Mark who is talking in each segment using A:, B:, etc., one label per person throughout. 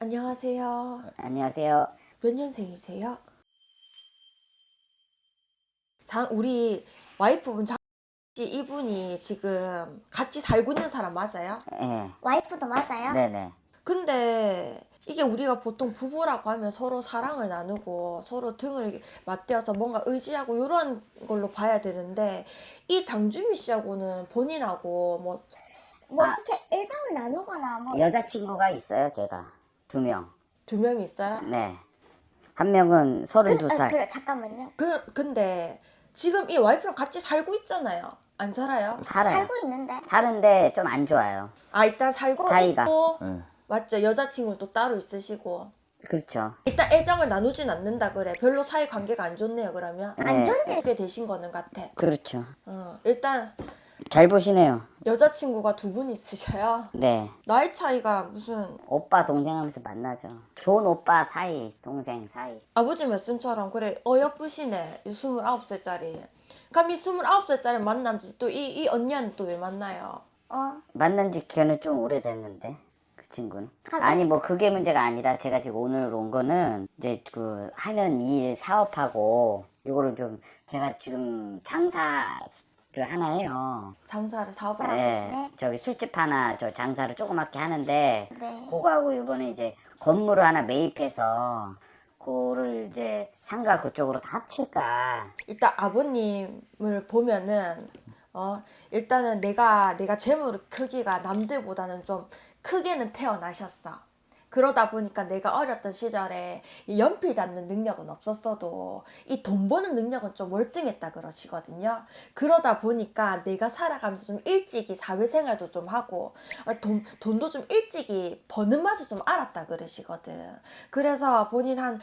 A: 안녕하세요.
B: 안녕하세요.
A: 몇 년생이세요? 우리 와이프분 씨 이분이 지금 같이 살고 있는 사람 맞아요?
B: 예.
C: 와이프도 맞아요?
B: 네네.
A: 근데 이게 우리가 보통 부부라고 하면 서로 사랑을 나누고 서로 등을 맞대어서 뭔가 의지하고 이런 걸로 봐야 되는데 이 장주미 씨하고는 본인하고
C: 뭐 이렇게 일상을 나누거나 뭐
B: 여자친구가 있어요, 제가. 2명.
A: 두 명이 있어요?
B: 네. 한 명은 32살.
C: 그래 잠깐만요.
A: 근데 지금 이 와이프랑 같이 살고 있잖아요. 안 살아요?
B: 살아요.
C: 살고 있는데
B: 사는데 좀 안 좋아요.
A: 아, 일단 살고
B: 사이가.
A: 있고
B: 응.
A: 맞죠? 여자친구는 또 따로 있으시고
B: 그렇죠.
A: 일단 애정을 나누진 않는다 그래. 별로 사이 관계가 안 좋네요. 그러면
B: 네.
C: 안 좋은지
A: 그렇게 되신 거는 같아.
B: 그렇죠.
A: 일단
B: 잘 보시네요.
A: 여자친구가 두 분 있으셔요.
B: 네.
A: 나이 차이가 무슨
B: 오빠, 동생 하면서 만나죠. 좋은 오빠 사이, 동생 사이.
A: 아버지 말씀처럼 그래 어여쁘시네. 29살짜리. 그럼 이 29살짜리 만남지 또 이 언니는 또 왜 만나요?
B: 만난 지 걔는 좀 오래됐는데, 그 친구는.
C: 아,
B: 아니, 뭐, 그게 문제가 아니라 제가 지금 오늘 온 거는 이제 그 하는 일 사업하고, 요거를 좀, 제가 지금 장사를 하나 해요.
A: 장사를 사업을 하고
B: 네,
A: 계시네.
B: 저기 술집 하나 저 장사를 조그맣게 하는데
C: 네.
B: 그거하고 이번에 이제 건물을 하나 매입해서 그거를 이제 상가 그쪽으로 다 합칠까.
A: 일단 아버님을 보면은 일단은 내가 재물 크기가 남들보다는 좀 크게는 태어나셨어. 그러다 보니까 내가 어렸던 시절에 이 연필 잡는 능력은 없었어도 이 돈 버는 능력은 좀 월등했다 그러시거든요. 그러다 보니까 내가 살아가면서 좀 일찍이 사회생활도 좀 하고 돈도 좀 일찍이 버는 맛을 좀 알았다 그러시거든. 그래서 본인 한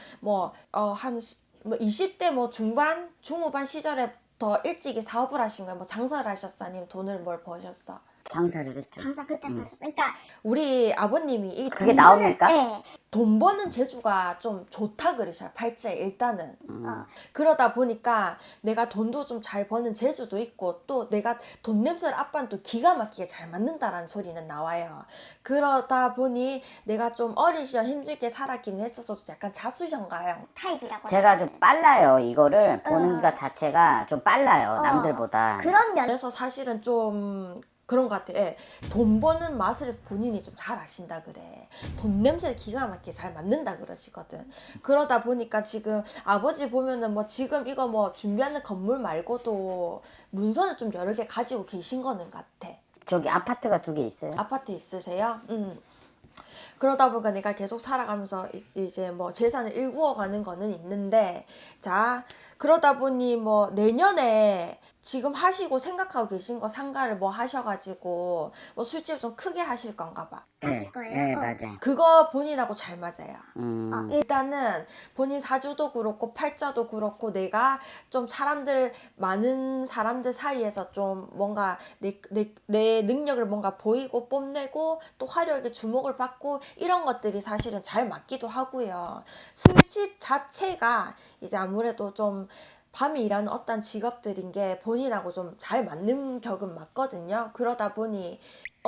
A: 20대 뭐 중반, 중후반 시절에 더 일찍이 사업을 하신 거예요? 뭐 장사를 하셨어? 아니면 돈을 뭘 버셨어?
B: 장사를 했죠.
C: 장사 그때 벌써 그러니까
A: 우리 아버님이 이
B: 그게 나옵니까?
C: 예.
A: 돈 버는 재주가 좀 좋다 그러셔요. 팔자에 일단은. 그러다 보니까 내가 돈도 좀 잘 버는 재주도 있고 또 내가 돈 냄새를 아빠는 또 기가 막히게 잘 맞는다라는 소리는 나와요. 그러다 보니 내가 좀 어린 시절 힘들게 살았기는 했어서 약간 자수형가요.
C: 타입이라고
B: 제가 좀 빨라요. 이거를 보는 것 자체가 좀 빨라요. 남들보다.
C: 그런 면
A: 그래서 사실은 좀 그런 것 같아. 예. 돈 버는 맛을 본인이 좀 잘 아신다 그래. 돈 냄새를 기가 막히게 잘 맡는다 그러시거든. 그러다 보니까 지금 아버지 보면은 뭐 지금 이거 뭐 준비하는 건물 말고도 문서는 좀 여러 개 가지고 계신 거는 같아.
B: 저기 아파트가 2개 있어요.
A: 아파트 있으세요? 그러다 보니까 내가 계속 살아가면서 이제 뭐 재산을 일구어 가는 거는 있는데, 자, 그러다 보니 뭐 내년에 지금 하시고 생각하고 계신 거 상가를 뭐 하셔가지고 뭐 술집 좀 크게 하실 건가 봐.
B: 네,
C: 거예요?
B: 네, 맞아요.
A: 그거 본인하고 잘 맞아요.
B: 음,
A: 일단은 본인 사주도 그렇고 팔자도 그렇고 내가 좀 많은 사람들 사이에서 좀 뭔가 내 능력을 뭔가 보이고 뽐내고 또 화려하게 주목을 받고 이런 것들이 사실은 잘 맞기도 하고요. 술집 자체가 이제 아무래도 좀 밤에 일하는 어떤 직업들인 게 본인하고 좀 잘 맞는 격은 맞거든요. 그러다 보니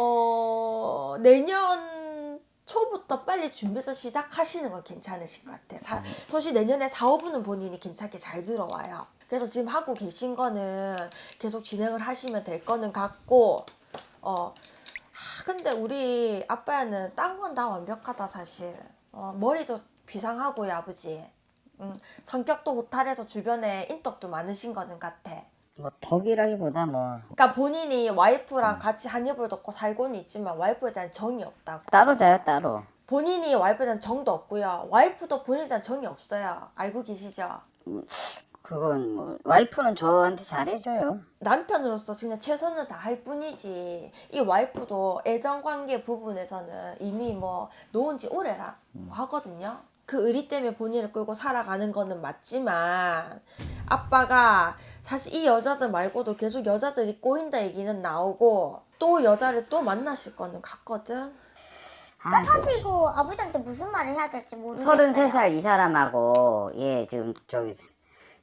A: 내년 초부터 빨리 준비해서 시작하시는 건 괜찮으실 것 같아. 사실 내년에 사업은 본인이 괜찮게 잘 들어와요. 그래서 지금 하고 계신 거는 계속 진행을 하시면 될 거는 같고 근데 우리 아빠는 딴 건 다 완벽하다 사실. 머리도 비상하고요 아버지. 성격도 호탈해서 주변에 인덕도 많으신 거는 같아.
B: 뭐 덕이라기보다 뭐
A: 그러니까 본인이 와이프랑 같이 한 입을 덮고 살고는 있지만 와이프에 대한 정이 없다고.
B: 따로 자요, 따로.
A: 본인이 와이프에 대한 정도 없고요. 와이프도 본인에 대한 정이 없어요. 알고 계시죠?
B: 그건 뭐 와이프는 저한테 잘해줘요.
A: 남편으로서 그냥 최선을 다할 뿐이지 이 와이프도 애정관계 부분에서는 이미 뭐 놓은 지 오래라고 하거든요. 그 의리 때문에 본인을 끌고 살아가는 거는 맞지만 아빠가 사실 이 여자들 말고도 계속 여자들이 꼬인다 얘기는 나오고 또 여자를 또 만나실 거는 같거든.
C: 나 사실 이거 아버지한테 무슨 말을 해야 될지 모르겠어요.
B: 33살 이 사람하고, 예, 지금 저기,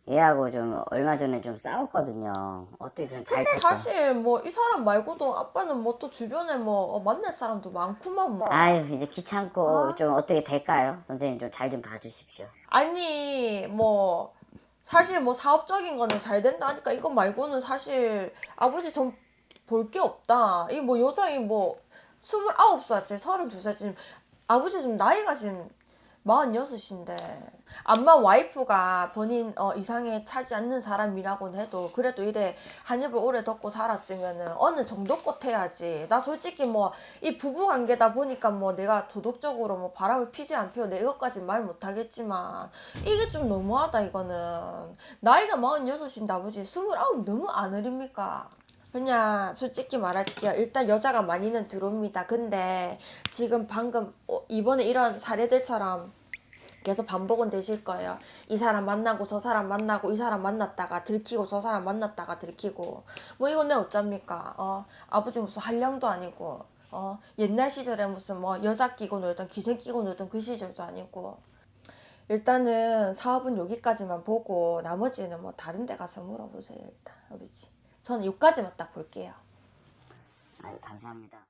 B: 얘하고 좀 얼마 전에 좀 싸웠거든요. 어떻게 좀 잘
A: 근데
B: 될까?
A: 사실 뭐 이 사람 말고도 아빠는 뭐 또 주변에 뭐 만날 사람도 많구만 뭐.
B: 아유 이제 귀찮고 좀 어떻게 될까요? 선생님 좀 잘 좀 봐주십시오.
A: 아니 뭐 사실 뭐 사업적인 거는 잘 된다니까 이거 말고는 사실 아버지 전 볼 게 없다. 이 뭐 여성이 뭐 29살째 32살 지금 아버지 좀 나이가 지금 46인데 암만 와이프가 본인 이상에 차지 않는 사람이라고는 해도 그래도 이래 한 입을 오래 덮고 살았으면은 어느 정도껏 해야지. 나 솔직히 뭐 이 부부 관계다 보니까 뭐 내가 도덕적으로 뭐 바람을 피지 안 피워 내 이것까지 말 못하겠지만 이게 좀 너무하다 이거는. 나이가 46인데 아버지 29 너무 안 어립니까? 그냥 솔직히 말할게요. 일단 여자가 많이는 들어옵니다. 근데 지금 방금 이번에 이런 사례들처럼 계속 반복은 되실 거예요. 이 사람 만나고 저 사람 만나고 이 사람 만났다가 들키고 저 사람 만났다가 들키고 뭐 이건 내 어쩝니까? 아버지 무슨 한량도 아니고 옛날 시절에 무슨 뭐 여자 끼고 놀던 기생 끼고 놀던 그 시절도 아니고 일단은 사업은 여기까지만 보고 나머지는 뭐 다른 데 가서 물어보세요. 일단 아버지 저는 여기까지만 딱 볼게요.
B: 아유 감사합니다.